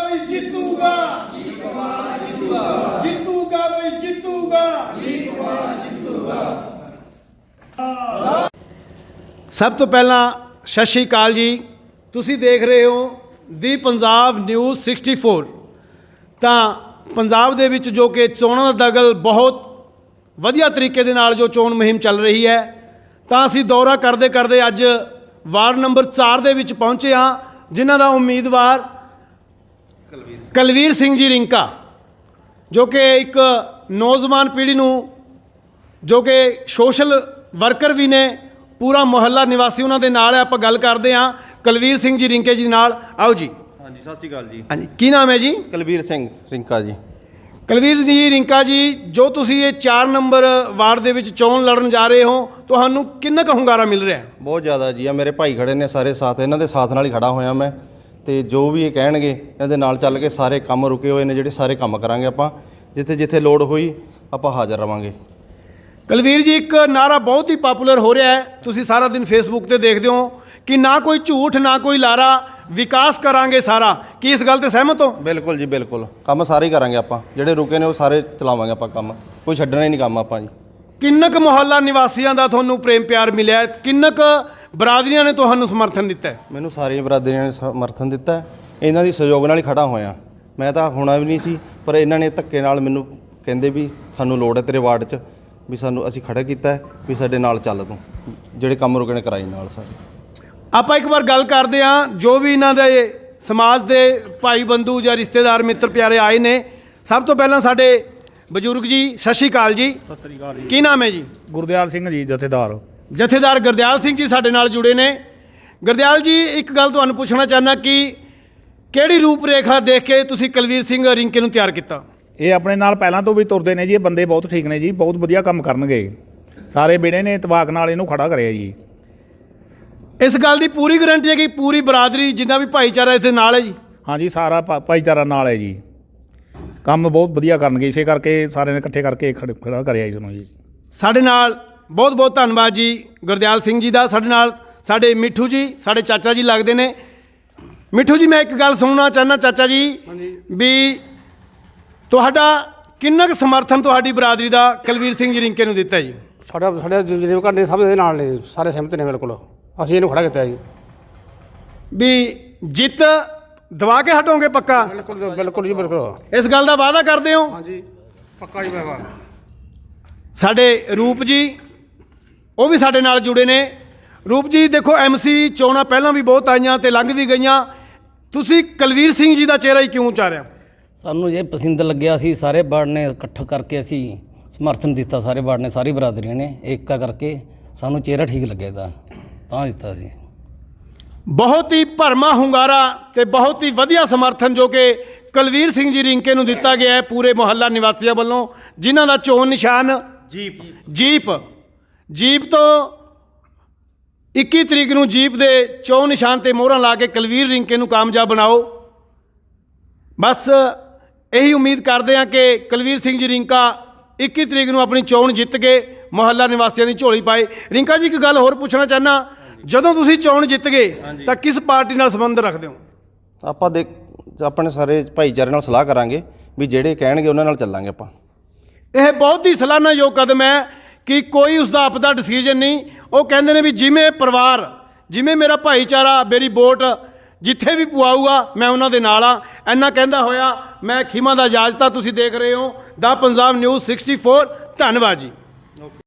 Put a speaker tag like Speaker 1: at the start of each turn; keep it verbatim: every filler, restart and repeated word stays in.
Speaker 1: भाई जीतूगा, जीतूगा भाई जीतूगा। ਸਭ ਤੋਂ ਪਹਿਲਾਂ ਸਤਿ ਸ਼੍ਰੀ ਅਕਾਲ ਜੀ। ਤੁਸੀਂ ਦੇਖ ਰਹੇ ਹੋ the Punjab news sixty four. ਤਾਂ ਪੰਜਾਬ ਦੇ ਵਿੱਚ ਜੋ ਕਿ ਚੋਣਾਂ ਦਾ ਦਗਲ ਬਹੁਤ ਵਧੀਆ ਤਰੀਕੇ ਦੇ ਨਾਲ ਜੋ ਚੋਣ ਮੁਹਿੰਮ ਚੱਲ ਰਹੀ ਹੈ, ਤਾਂ ਅਸੀਂ ਦੌਰਾ ਕਰਦੇ ਕਰਦੇ ਅੱਜ ਵਾਰਡ ਨੰਬਰ ਚਾਰ ਦੇ ਵਿੱਚ ਪਹੁੰਚੇ ਹਾਂ, ਜਿਨ੍ਹਾਂ ਦਾ ਉਮੀਦਵਾਰ ਕੁਲਵੀਰ ਸਿੰਘ ਜੀ ਰਿੰਕਾ, ਜੋ ਕਿ ਇੱਕ ਨੌਜਵਾਨ ਪੀੜ੍ਹੀ ਨੂੰ ਜੋ ਕਿ ਸੋਸ਼ਲ ਵਰਕਰ ਵੀ ਨੇ, ਪੂਰਾ ਮੁਹੱਲਾ ਨਿਵਾਸੀ ਉਹਨਾਂ ਦੇ ਨਾਲ ਹੈ। ਆਪਾਂ ਗੱਲ ਕਰਦੇ ਹਾਂ ਕੁਲਵੀਰ ਸਿੰਘ ਜੀ ਰਿੰਕੇ ਜੀ ਨਾਲ। ਆਓ ਜੀ।
Speaker 2: ਹਾਂਜੀ, ਸਤਿ ਸ਼੍ਰੀ ਅਕਾਲ ਜੀ।
Speaker 1: ਹਾਂਜੀ, ਕੀ ਨਾਮ ਹੈ ਜੀ?
Speaker 2: ਕੁਲਵੀਰ ਸਿੰਘ ਰਿੰਕਾ ਜੀ।
Speaker 1: ਕੁਲਵੀਰ ਜੀ ਰਿੰਕਾ ਜੀ, ਜੋ ਤੁਸੀਂ ਇਹ ਚਾਰ ਨੰਬਰ ਵਾਰਡ ਦੇ ਵਿੱਚ ਚੋਣ ਲੜਨ ਜਾ ਰਹੇ ਹੋ, ਤੁਹਾਨੂੰ ਕਿੰਨਾ ਕੁ ਹੁੰਗਾਰਾ ਮਿਲ ਰਿਹਾ?
Speaker 2: ਬਹੁਤ ਜ਼ਿਆਦਾ ਜੀ। ਆ ਮੇਰੇ ਭਾਈ ਖੜੇ ਨੇ ਸਾਰੇ ਸਾਥ, ਇਹਨਾਂ ਦੇ ਸਾਥ ਨਾਲ ਹੀ ਖੜਾ ਹੋਇਆ ਮੈਂ, ਤੇ ਜੋ ਵੀ ਇਹ ਕਹਿਣਗੇ ਇਹਨਾਂ ਦੇ ਨਾਲ ਚੱਲ ਕੇ ਸਾਰੇ ਕੰਮ ਰੁਕੇ ਹੋਏ ਨੇ, ਜਿਹੜੇ ਸਾਰੇ ਕੰਮ ਕਰਾਂਗੇ ਆਪਾਂ। ਜਿੱਥੇ ਜਿੱਥੇ ਲੋੜ ਹੋਈ ਆਪਾਂ ਹਾਜ਼ਰ ਰਵਾਂਗੇ।
Speaker 1: ਕੁਲਵੀਰ ਜੀ, ਇੱਕ ਨਾਰਾ ਬਹੁਤ ਹੀ ਪਾਪੂਲਰ ਹੋ ਰਿਹਾ ਹੈ, ਤੁਸੀਂ ਸਾਰਾ ਦਿਨ ਫੇਸਬੁੱਕ ਤੇ ਦੇਖਦੇ ਹੋ ਕਿ ਨਾ ਕੋਈ ਝੂਠ ਨਾ ਕੋਈ ਲਾਰਾ, ਵਿਕਾਸ ਕਰਾਂਗੇ ਸਾਰਾ। ਕੀ ਇਸ ਗੱਲ ਤੇ ਸਹਿਮਤ ਹੋ?
Speaker 2: ਬਿਲਕੁਲ ਜੀ, ਬਿਲਕੁਲ। ਕੰਮ ਸਾਰੇ ਹੀ ਕਰਾਂਗੇ ਆਪਾਂ, ਜਿਹੜੇ ਰੁਕੇ ਨੇ ਉਹ ਸਾਰੇ ਚਲਾਵਾਂਗੇ ਆਪਾਂ ਕੰਮ, ਕੋਈ ਛੱਡਣਾ ਹੀ ਨਹੀਂ ਕੰਮ ਆਪਾਂ ਜੀ।
Speaker 1: ਕਿੰਨਾ ਕੁ ਮੁਹੱਲਾ ਨਿਵਾਸੀਆਂ ਦਾ ਤੁਹਾਨੂੰ ਪ੍ਰੇਮ ਪਿਆਰ ਮਿਲਿਆ? ਕਿੰਨਾ ਕੁ ਬਰਾਦਰੀਆਂ ਨੇ ਤੁਹਾਨੂੰ ਸਮਰਥਨ ਦਿੱਤਾ?
Speaker 2: ਮੈਨੂੰ ਸਾਰੀਆਂ ਬਰਾਦਰੀਆਂ ਨੇ ਸਮਰਥਨ ਦਿੱਤਾ। ਇਹਨਾਂ ਦੀ ਸਹਿਯੋਗ ਨਾਲ ਹੀ ਖੜਾ ਹੋਇਆ ਮੈਂ। ਤਾਂ ਹੋਣਾ ਵੀ ਨਹੀਂ ਸੀ, ਪਰ ਇਹਨਾਂ ਨੇ ਧੱਕੇ ਨਾਲ ਮੈਨੂੰ ਕਹਿੰਦੇ ਵੀ ਸਾਨੂੰ ਲੋੜ ਹੈ ਤੇਰੇ ਵਾਰਡ 'ਚ, ਵੀ ਸਾਨੂੰ ਅਸੀਂ ਖੜਾ ਕੀਤਾ ਵੀ ਸਾਡੇ ਨਾਲ ਚੱਲ ਤੂੰ, ਜਿਹੜੇ ਕੰਮ ਰੁਕੇ ਨੇ ਕਰਾਈ ਨਾਲ ਸਾਰੇ।
Speaker 1: ਆਪਾਂ ਇੱਕ ਵਾਰ ਗੱਲ ਕਰਦੇ ਹਾਂ, ਜੋ ਵੀ ਇਹਨਾਂ ਦੇ ਸਮਾਜ ਦੇ ਭਾਈ ਬੰਧੂ ਜਾਂ ਰਿਸ਼ਤੇਦਾਰ ਮਿੱਤਰ ਪਿਆਰੇ ਆਏ ਨੇ। ਸਭ ਤੋਂ ਪਹਿਲਾਂ ਸਾਡੇ ਬਜ਼ੁਰਗ ਜੀ, ਸਤਿ ਸ਼੍ਰੀ ਅਕਾਲ ਜੀ।
Speaker 3: ਸਤਿ ਸ੍ਰੀ ਅਕਾਲ ਜੀ।
Speaker 1: ਕੀ ਨਾਮ ਹੈ ਜੀ?
Speaker 3: ਗੁਰਦਿਆਲ ਸਿੰਘ ਜੀ, ਜਥੇਦਾਰ।
Speaker 1: ਜਥੇਦਾਰ ਗੁਰਦਿਆਲ ਸਿੰਘ ਜੀ ਸਾਡੇ ਨਾਲ ਜੁੜੇ ਨੇ। ਗੁਰਦਿਆਲ ਜੀ, ਇੱਕ ਗੱਲ ਤੁਹਾਨੂੰ ਪੁੱਛਣਾ ਚਾਹੁੰਦਾ ਕਿ ਕਿਹੜੀ ਰੂਪ ਰੇਖਾ ਦੇਖ ਕੇ ਤੁਸੀਂ ਕੁਲਵੀਰ ਸਿੰਘ ਰਿੰਕੇ ਨੂੰ ਤਿਆਰ ਕੀਤਾ?
Speaker 3: ਇਹ ਆਪਣੇ ਨਾਲ ਪਹਿਲਾਂ ਤੋਂ ਵੀ ਤੁਰਦੇ ਨੇ ਜੀ। ਇਹ ਬੰਦੇ ਬਹੁਤ ਠੀਕ ਨੇ ਜੀ, ਬਹੁਤ ਵਧੀਆ ਕੰਮ ਕਰਨਗੇ। ਸਾਰੇ ਬੇੜੇ ਨੇ ਇਤਫਾਕ ਨਾਲ ਇਹਨੂੰ ਖੜਾ ਕਰਿਆ ਜੀ।
Speaker 1: ਇਸ ਗੱਲ ਦੀ ਪੂਰੀ ਗਰੰਟੀ ਹੈ ਕਿ ਪੂਰੀ ਬਰਾਦਰੀ, ਜਿੰਨਾ ਵੀ ਭਾਈਚਾਰਾ ਇੱਥੇ ਨਾਲ ਹੈ ਜੀ?
Speaker 3: ਹਾਂਜੀ, ਸਾਰਾ ਭਾ- ਭਾਈਚਾਰਾ ਨਾਲ ਹੈ ਜੀ। ਕੰਮ ਬਹੁਤ ਵਧੀਆ ਕਰਨਗੇ, ਇਸੇ ਕਰਕੇ ਸਾਰਿਆਂ ਨੇ ਇਕੱਠੇ ਕਰਕੇ ਖੜ- ਖੜਾ ਕਰਿਆ ਇਸ ਨੂੰ ਜੀ।
Speaker 1: ਸਾਡੇ ਨਾਲ ਬਹੁਤ ਬਹੁਤ ਧੰਨਵਾਦ ਜੀ ਗੁਰਦਿਆਲ ਸਿੰਘ ਜੀ ਦਾ। ਸਾਡੇ ਨਾਲ ਸਾਡੇ ਮਿੱਠੂ ਜੀ, ਸਾਡੇ ਚਾਚਾ ਜੀ ਲੱਗਦੇ ਨੇ। ਮਿੱਠੂ ਜੀ, ਮੈਂ ਇੱਕ ਗੱਲ ਸੁਣਨਾ ਚਾਹੁੰਦਾ ਚਾਚਾ ਜੀ, ਵੀ ਤੁਹਾਡਾ ਕਿੰਨਾ ਕੁ ਸਮਰਥਨ ਤੁਹਾਡੀ ਬਰਾਦਰੀ ਦਾ ਕੁਲਵੀਰ ਸਿੰਘ ਜੀ ਰਿੰਕੇ ਨੂੰ ਦਿੱਤਾ ਜੀ?
Speaker 4: ਸਾਡਾ ਸਾਡੇ ਜਿਵੇਂ ਘਰ ਨੇ ਸਭ ਦੇ ਨਾਲ ਨੇ, ਸਾਰੇ ਸਹਿਮਤ ਨੇ ਬਿਲਕੁਲ। ਅਸੀਂ ਇਹਨੂੰ ਖੜਾ ਕੀਤਾ ਜੀ।
Speaker 1: ਵੀ ਜਿੱਤ ਦਵਾ ਕੇ ਹਟੋਗੇ ਪੱਕਾ?
Speaker 4: ਬਿਲਕੁਲ ਬਿਲਕੁਲ ਜੀ, ਬਿਲਕੁਲ।
Speaker 1: ਇਸ ਗੱਲ ਦਾ ਵਾਅਦਾ ਕਰਦੇ ਹੋ?
Speaker 4: ਹਾਂਜੀ, ਪੱਕਾ ਜੀ। ਮੈਂ
Speaker 1: ਸਾਡੇ ਰੂਪ ਜੀ, ਉਹ ਵੀ ਸਾਡੇ ਨਾਲ ਜੁੜੇ ਨੇ। ਰੂਪ ਜੀ, ਦੇਖੋ ਐਮਸੀ ਚੋਣਾਂ ਪਹਿਲਾਂ ਵੀ ਬਹੁਤ ਆਈਆਂ ਤੇ ਲੰਘ ਵੀ ਗਈਆਂ, ਤੁਸੀਂ ਕੁਲਵੀਰ ਸਿੰਘ ਜੀ ਦਾ ਚਿਹਰਾ ਹੀ ਕਿਉਂ ਉਚਾਰਿਆ?
Speaker 5: ਸਾਨੂੰ ਜੇ ਪਸੰਦ ਲੱਗਿਆ, ਸੀ ਸਾਰੇ ਵਾਰਡ ਨੇ ਇਕੱਠ ਕਰਕੇ ਅਸੀਂ ਸਮਰਥਨ ਦਿੱਤਾ। ਸਾਰੇ ਵਾਰਡ ਨੇ, ਸਾਰੀ ਬਰਾਦਰੀਆਂ ਨੇ ਏਕਾ ਕਰਕੇ ਸਾਨੂੰ ਚਿਹਰਾ ਠੀਕ ਲੱਗਿਆ ਤਾਂ ਤਾਂ ਦਿੱਤਾ ਸੀ।
Speaker 1: ਬਹੁਤ ਹੀ ਭਰਮਾ ਹੁੰਗਾਰਾ ਤੇ ਬਹੁਤ ਹੀ ਵਧੀਆ ਸਮਰਥਨ ਜੋ ਕਿ ਕੁਲਵੀਰ ਸਿੰਘ ਜੀ ਰਿੰਕੇ ਨੂੰ ਦਿੱਤਾ ਗਿਆ ਹੈ ਪੂਰੇ ਮੁਹੱਲਾ ਨਿਵਾਸੀਆਂ ਵੱਲੋਂ, ਜਿਨ੍ਹਾਂ ਦਾ ਚੋਣ ਨਿਸ਼ਾਨ ਜੀਪ ਜੀਪ ਜੀਪ ਤੋਂ ਇੱਕੀ ਤਰੀਕ ਨੂੰ ਜੀਪ ਦੇ ਚੋਣ ਨਿਸ਼ਾਨ ਤੇ ਮੋਹਰਾਂ ਲਾ ਕੇ ਕੁਲਵੀਰ ਰਿੰਕੇ ਨੂੰ ਕਾਮਯਾਬ ਬਣਾਓ। ਬਸ ਇਹੀ ਉਮੀਦ ਕਰਦੇ ਹਾਂ ਕਿ ਕੁਲਵੀਰ ਸਿੰਘ ਜੀ ਰਿੰਕਾ ਇੱਕੀ ਤਰੀਕ ਨੂੰ ਆਪਣੀ ਚੋਣ ਜਿੱਤ ਕੇ ਮੁਹੱਲਾ ਨਿਵਾਸੀਆਂ ਦੀ ਝੋਲੀ ਪਾਏ। ਰਿੰਕਾ ਜੀ, ਇੱਕ ਗੱਲ ਹੋਰ ਪੁੱਛਣਾ ਚਾਹੁੰਦਾ, ਜਦੋਂ ਤੁਸੀਂ ਚੋਣ ਜਿੱਤ ਗਏ ਤਾਂ ਕਿਸ ਪਾਰਟੀ ਨਾਲ ਸੰਬੰਧ ਰੱਖਦੇ ਹੋ?
Speaker 2: ਆਪਾਂ ਦੇਖ ਆਪਣੇ ਸਾਰੇ ਭਾਈਚਾਰੇ ਨਾਲ ਸਲਾਹ ਕਰਾਂਗੇ, ਵੀ ਜਿਹੜੇ ਕਹਿਣਗੇ ਉਹਨਾਂ ਨਾਲ ਚੱਲਾਂਗੇ ਆਪਾਂ।
Speaker 1: ਇਹ ਬਹੁਤ ਹੀ ਸਲਾਹਨਾਯੋਗ ਕਦਮ ਹੈ ਕਿ ਕੋਈ ਉਸ ਦਾ ਆਪਦਾ ਡਿਸੀਜਨ ਨਹੀਂ। ਉਹ ਕਹਿੰਦੇ ਨੇ ਵੀ ਜਿਵੇਂ ਪਰਿਵਾਰ, ਜਿਵੇਂ ਮੇਰਾ ਭਾਈਚਾਰਾ ਮੇਰੀ ਵੋਟ ਜਿੱਥੇ ਵੀ ਪਵਾਊਗਾ ਮੈਂ ਉਹਨਾਂ ਦੇ ਨਾਲ ਆ। ਇੰਨਾ ਕਹਿੰਦਾ ਹੋਇਆ ਮੈਂ ਖਿਮਾ ਦਾ ਇਜਾਜ਼ਤ। ਤੁਸੀਂ ਦੇਖ ਰਹੇ ਹੋ ਦਾ ਪੰਜਾਬ ਨਿਊਜ਼ ਸਿਕਸਟੀ ਫੋਰ। ਧੰਨਵਾਦ ਜੀ।